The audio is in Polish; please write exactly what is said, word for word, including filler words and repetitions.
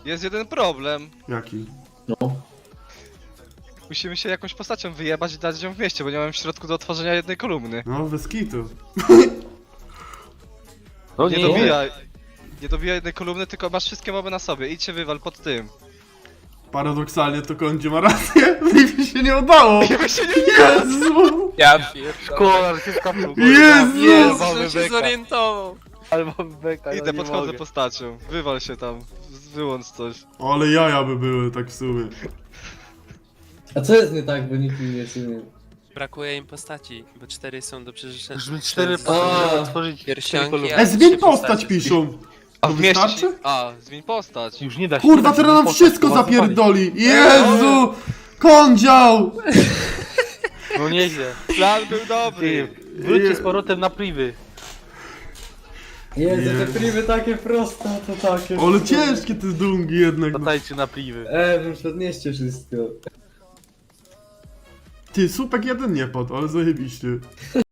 Jest jeden problem. Jaki? No. Musimy się jakąś postacią wyjebać i dać ją w mieście, bo nie mam w środku do otworzenia jednej kolumny. No, bez kitu. No Nie nie, dobijaj. Nie dobijaj jednej kolumny, tylko masz wszystkie moby na sobie. Idź się wywal pod tym. Paradoksalnie to Kondzie ma rację. Mi się nie udało. Jakby się nie Jezu! Ja pierdolę. Kolar się skapnął. Jezu! Jezu, Jezu, się beka. zorientował. Ale mam beka, no Idę, nie podchodzę mogę. postacią. Wywal się tam. Wyłącz coś. Ale jaja by były, tak w sumie. A co jest nie tak, bo nikt mi nie sumie. Brakuje im postaci, bo cztery są do przeżycia. Żeby cztery A. postacie otworzyć. Pierścionki, cztery kolumny. a- E, zmień trzy postać postacie. piszą. A To w mieście wystarczy? się... A, zmień postać. Już nie da się. Kurwa, nie da się teraz nam postać, wszystko bo was zapali. zapierdoli. Jezu! Kondział! No nieźle. Plan był dobry. Ty, wróćcie z powrotem na priwy. Jezu, Jezu. te priwy takie proste, to takie... Ale ciężkie te dungi jednak. No. Latajcie na priwy. E, wy już podnieście wszystko. Ty, słupek jeden nie padł, ale zajebiście.